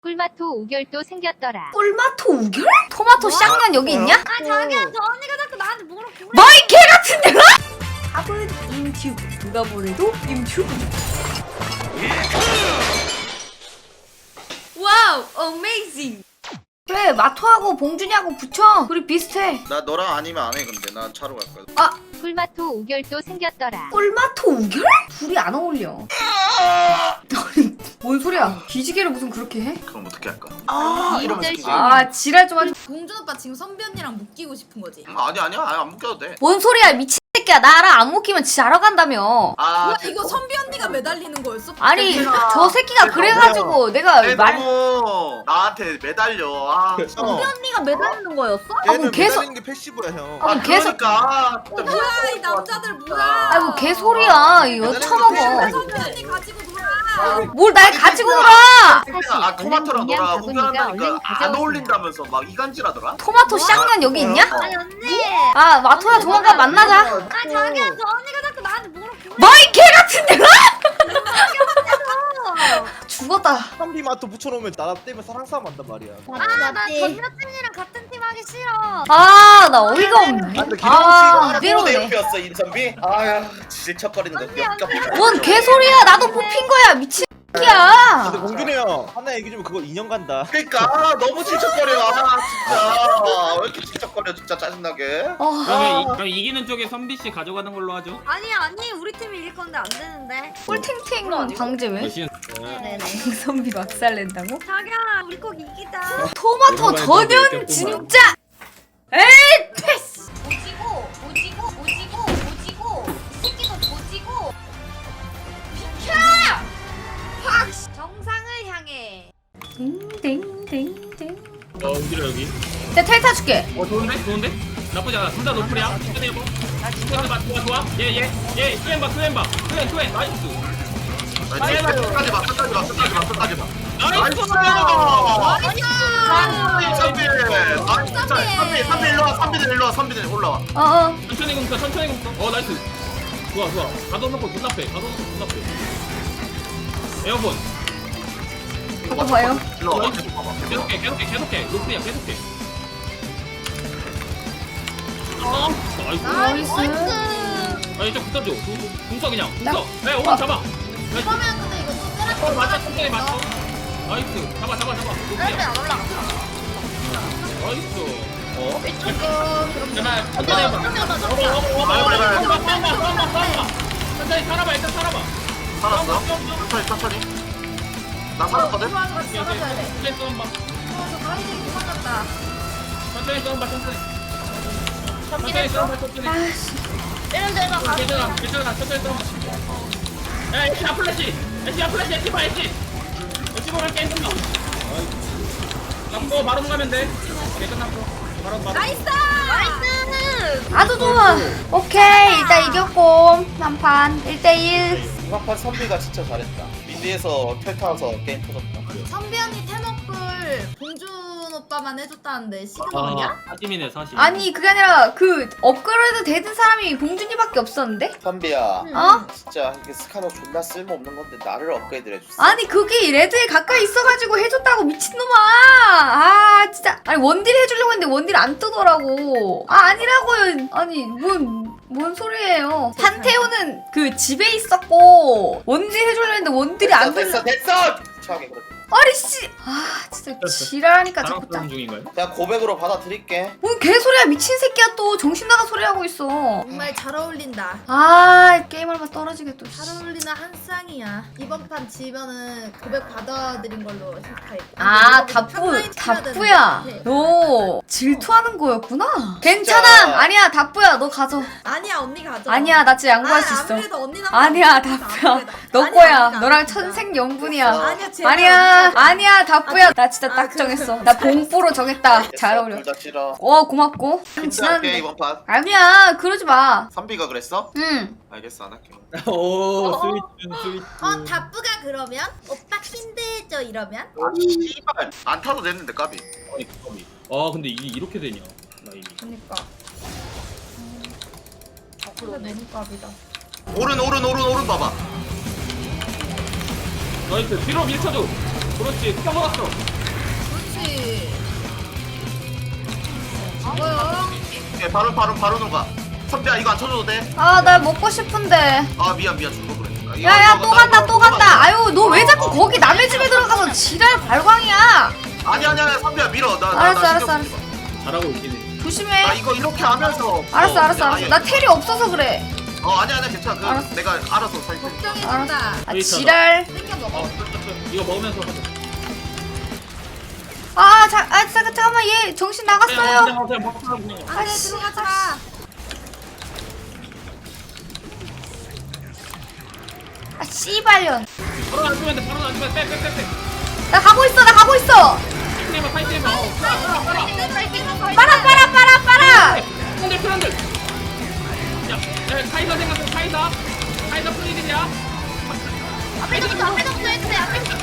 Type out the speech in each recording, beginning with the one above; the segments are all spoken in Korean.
꿀마토 우결도 생겼더라. 꿀마토 우결? 토마토 쌍년 여기 있냐? 아 자기야 저 언니가 자꾸 나한테 물어보고 너이 개 같은 데가? 답은 인튜브. 누가 뭐래도 인튜브. 와우, 어메이징. 그래, 마토하고 봉준이하고 붙여. 둘이 비슷해. 나 너랑 아니면 안 해 근데 난 차로 갈 거야. 아, 꿀마토 우결도 생겼더라. 꿀마토 우결? 둘이 안 어울려. 너는 뭔 소리야? 기지개를 무슨 그렇게 해? 그럼 어떻게 할까? 이름들 이러면서 아, 지랄 좀 하지. 봉준 오빠 지금 선비 언니랑 묶이고 싶은 거지? 아니야 안 묶여도 돼. 뭔 소리야, 미친 새끼야. 나랑 안 묶이면 자러 간다며. 아 뭐야 이거 선비 언니가 매달리는 거였어? 아니, 괜찮아. 저 새끼가 그래가지고 내가 쟤 말. 너무 나한테 매달려. 아 선비 언니가 매달리는 거였어? 아, 얘는 뭐 계속. 매달리는 게 패시브야 형. 아, 뭐 계속. 그러니까 진짜 뭐야 이 남자들 뭐야? 아이 뭐 개소리야. 이거 매달리는 처먹어. 게 선비 언니 가지고 놀아. 뭘 날 가지고 놀아. 아 토마토랑 그냥 너랑 바구니가 얼른 우결한다니까 안 가져오세요. 어울린다면서 막 이간질하더라. 토마토 쌍년 여기 있냐? 아니 언니. 아, 마토야 조만간 만나자. 아 자기야 저 언니가 자꾸 나한테 물어보고 너이 개 같은 데가? 죽었다. 선비 마토 붙여놓으면 나 때문에 사랑 싸움 한단 말이야. 아나 전 여친이랑 같은 팀 하기 싫어. 아, 나 어이가 없네. 근데 아, 기룡 씨가 내 이대로네. 옆이었어 인선비. 아야 질척거리는 거 역겹다. 뭔 개소리야. 나도 뽑힌 거야. 미친 근데 새끼야. 공준이 형 하나 얘기 좀 그거 2년 간다. 그러니까 너무 질척거려. 아 진짜 왜 이렇게 질척거려 진짜 짜증나게. 그럼 이기는 쪽에 선비 씨 가져가는 걸로 하죠. 아니 우리 팀이 이길 건데 안 되는데. 꿀탱탱 방제 왜? 대신 네네. 선비 막살 낸다고? 자기야 우리 꼭 이기자. 토마토 오랜만에 전현 또 진짜. 에이 패스. 오지고 이 새끼도 오지고 비켜! 확 정상을 향해. 땡땡땡땡. 어디로 여기? 내가 텔 타줄게. 좋은데? 나쁘지 않아. 둘 다 노플이야. 끝내고. 좋아. 얘 투엠 봐. 투엠 나이스. 끝까지 봐. 나이스. 선비들 올라와. 어어. 천천히 굶어. 나이스. 좋아. 가둬 놓고 존나 패. 에어본. 이거 봐요. 일로와. 계속 봐봐. 계속해. 노플이야. 계속해. 나이스. 나이스. 이쪽 붙어줘. 궁서 그냥. 나- 궁서. 오른 잡아. 그러면 근데 이거 또 때려. 맞아. 천천히 맞춰. 나이스. 잡아. 노플이야. 안 올라가. 나이스. 조금 제발 천천히 해봐. 천천히 살아봐. 일단 살아봐. 살았어? 천천히. 나 살았거든? 같이 잡아줘야 돼. 천천히 쏘봐. 저 가리들이 도망갔다. 천천히 쏘봐. 천천히 아씨. 이런데가 가. 괜찮아. 천천히 쏘봐. 야, 애쉬 아플래시 봐. 애쉬 보면 게임 끝나. 남고 바로 가면 돼. 오케이, 끝났고. 바로. 나이스! 아주 좋아. 오케이, 일단 이겼고 한판 1대1. 이번 판 선비가 진짜 잘했다. 미드에서 텔 타서 게임 터졌다. 선비 언니 태먹불 봉준 오빠만 해줬다는데 시간 뭐냐? 사심이네 사심. 아니 그게 아니라 그 업그레이드 되는 사람이 봉준이밖에 없었는데? 선비야, 어? 진짜 이게 스카너 존나 쓸모없는 건데 나를 업그레이드를 해줬어. 아니 그게 레드에 가까이 있어가지고 해줬다고 미친놈아. 아 진짜. 아니 원딜 해주려고 했는데 원딜 안 뜨더라고. 아 아니라고요. 아니 뭔 소리예요. 판테오는 그 집에 있었고 원딜 해주려고 했는데 원딜이 안 됐어. 들려. 차게 그래. 아니 씨. 아 진짜 지랄하니까 자꾸 짜. 자랑 중인가요? 그냥 고백으로 받아들일게. 뭔 개소리야. 미친 새끼야 또. 정신 나간 소리 하고 있어. 정말 잘 어울린다. 아 게임할 맛 떨어지게 또. 잘 어울리는 한 쌍이야. 이번 판 지면은 고백 받아들인 걸로 생각할게. 아 근데 답부야. 네. 너 질투하는 거였구나. 괜찮아. 아니야 답부야 너 가져. 아니야 언니 가져. 아니야 나 진짜 양보할 수 있어. 아무래도 언니 남. 아니야 답부야. 너 거야. 너랑 천생연분이야. 아니야 제발. 아니야 답부야. 나 진짜 딱 그- 정했어. 나 봉뽀로 정했다. 잘 어울려. 둘다 싫어. 고맙고. 진짜 할게 지났는데. 이번 판. 아니야 그러지 마. 선비가 그랬어? 응. 알겠어 안 할게. 오 스위트. 답부가 그러면 오빠 힘들죠 이러면? 아 씨발 안 타도 됐는데 까비. 근데 이게 이렇게 되냐? 나 이미. 그니까. 근데 너무 깝이다. 오른 봐봐. 나이스. 뒤로 밀쳐줘. 그렇지. 흑경 먹었어. 그렇지. 뭐요? 오케이, 바로 녹아. 선배야 이거 안 쳐줘도 돼? 아, 나 먹고 싶은데. 아 미안 줄거 그래. 아, 이거 야야, 이거 또 간다, 또 간다. 아유, 너 왜 자꾸 거기 남의 집에 들어가서 지랄 발광이야. 아니야 선배야 밀어. 나 알았어, 신경 알았어, 쓰지 마. 잘하고 있긴 해. 조심해. 나 이거 이렇게 하면서. 알았어. 나 텔이 없어서 그래. 아니야 괜찮아. 그 알았어. 내가 알아서 살게. 걱정해준다. 아, 지랄. 땡겨 먹어. 이거 먹으면서 하자. 잠깐만, 얘 정신 나갔어요. 그냥 먹자 그냥. 안돼 들어가지 마. 아, 씨발년. 바로 안 주면 돼. 바로 안 주면 돼. 빼. 나 가고 있어. 파이팅해봐. 빨아. 트런들. 야, 카이사 생각해. 카이사 프리딜이야. 앞에서부터 해주세요.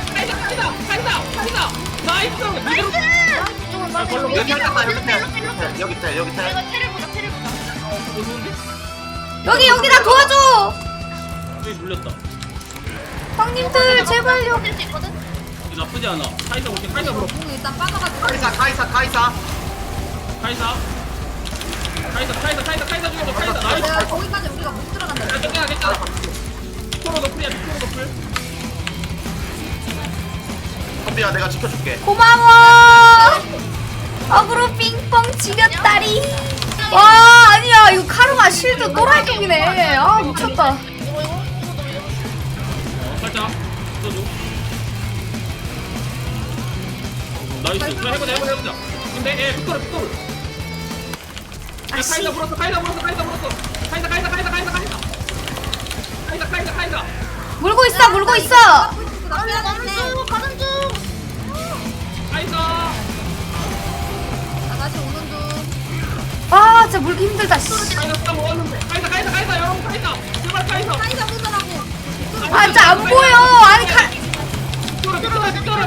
카이사. 나이스. 미드로. 걸로 여기 텔. 여기 텔. 테를 보자. 좋은데? 여기 나 도와줘. 여기 물렸다. 형님들 제발요. 할수 있거든. 이거 나쁘지 않아. 카이사 올게. 카이사 물어. 공 일단 빠져가지고. 카이사. 카이사 죽여줘. 카이사 나이스. 내가 거기까지 우리가 못 들어간다. 괜찮아. 토로 너플이야. 토로 너플. 선배야 내가 지켜줄게. 고마워. 어그로 빙뽕 지렸다리. 와, 아니야, 이거 카르마 실드 또라이쪽이네. 아, 미쳤다. 살짝 써줘. 나이스. 그래 해보자. 근데 빅토르. 카이사 물었어. 카이사. 물고 있어. 가는 중. 카이사. 다시 오는 중. 아, 진짜 물기 힘들다. 씨. 카이사 먹었는데. 카이사. 여러분 카이사. 제발 카이사. 사이다 보더라고. 아, 진짜 안 보여. 아니, 빅토르.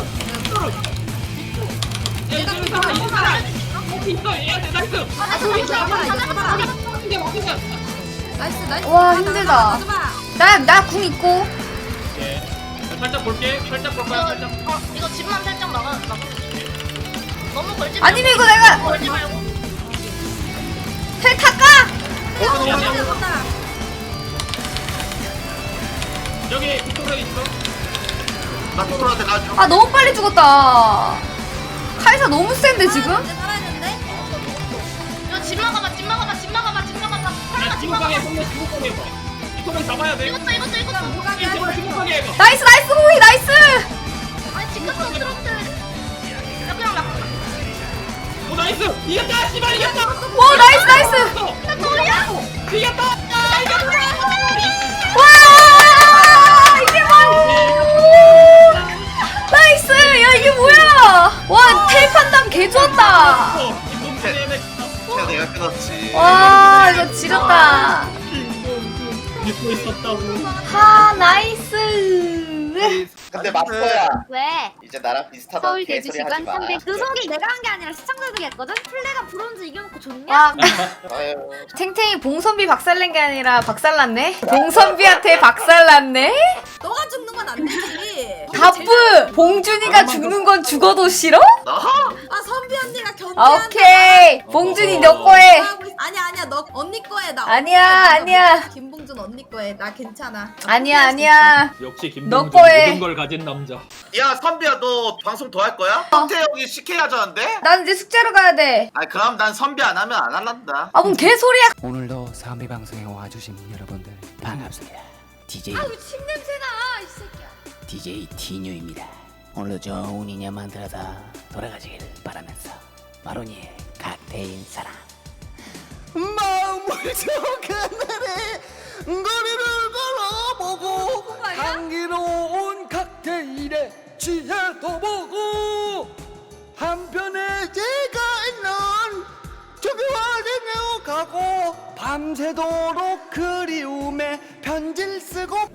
야, 이제 살아. 있어. 얘한테 나이스. 나이스. 와, 힘들다. 가져봐. 나 궁 있고. 예. 살짝 볼게. 살짝 볼까요? 이거 집만 살짝 막아. 너무 걸지 말고. 아니면 이거 내가 걸지 말고. 텔 탈까? 여기 빅토르 있어. 나 빅토르한테 가줘. 아, 너무 빨리 죽었다. 카이사 너무 센데 지금? 살아있는데? 이거 집 막아봐. 야, 지구방에 손내 지구방에 봐. 빅토르 잡아야 돼. 이것도. 제발 지구방에 해봐. 나이스 호이 나이스. 아니 지금도 들었대. 야 그냥 막. 오 나이스. 이겼다. 씨발 이겼다. 오, 나이스. 이겼다. 와, 이게 뭐야? 나이스. 야, 이게 뭐야? 와, 텔 판단 개 좋았다. 그냥 내가 끊었지. 와, 이거 지렸다. 믿고 있었다고. 하, 나이스. 근데 마스터야. 왜? 이제 나랑 비슷하다. 서울 개소리 대주시관 하지 마. 300. 그 소리 내가 한 게 아니라 시청자들이 했거든? 플레가 브론즈 이겨놓고 좋냐? 와, 아유. 탱탱이 봉선비 박살낸 게 아니라 박살났네? 봉선비한테 박살났네? 너가 죽는 건 안 되지. 바쁘! 봉준이가 죽는 건 죽어도 싫어? 나? 아 선비 언니가 견제한다. 오케이! 봉준이 너 거에! 아니야 너 언니 거에 나. 아니야. 김봉준 언니 거에 나 괜찮아. 아니야. 역시 너 김동준 거에. 모든 걸 가진 남자. 야 선비야 너 방송 더 할 거야? 성태 형이 CK 하자는데? 난 이제 숙제로 가야 돼. 아 그럼 난 선비 안 하면 안 할란다. 아, 뭔 개소리야. 오늘도 삼비 방송에 와주신 여러분들 반갑습니다. DJ 아유 침냄새나 이 새끼야. DJ 티뉴입니다. 오늘도 좋은 인연 만들어서 돌아가시길 바라면서 마로니의 각대인 사랑. 마음을 저 하늘에 거리를 걸어보고 향기로운 칵테일에 취해도 보고 한편에 제가 있는 저기와 내어 가고 밤새도록 그리움에 편지를 쓰고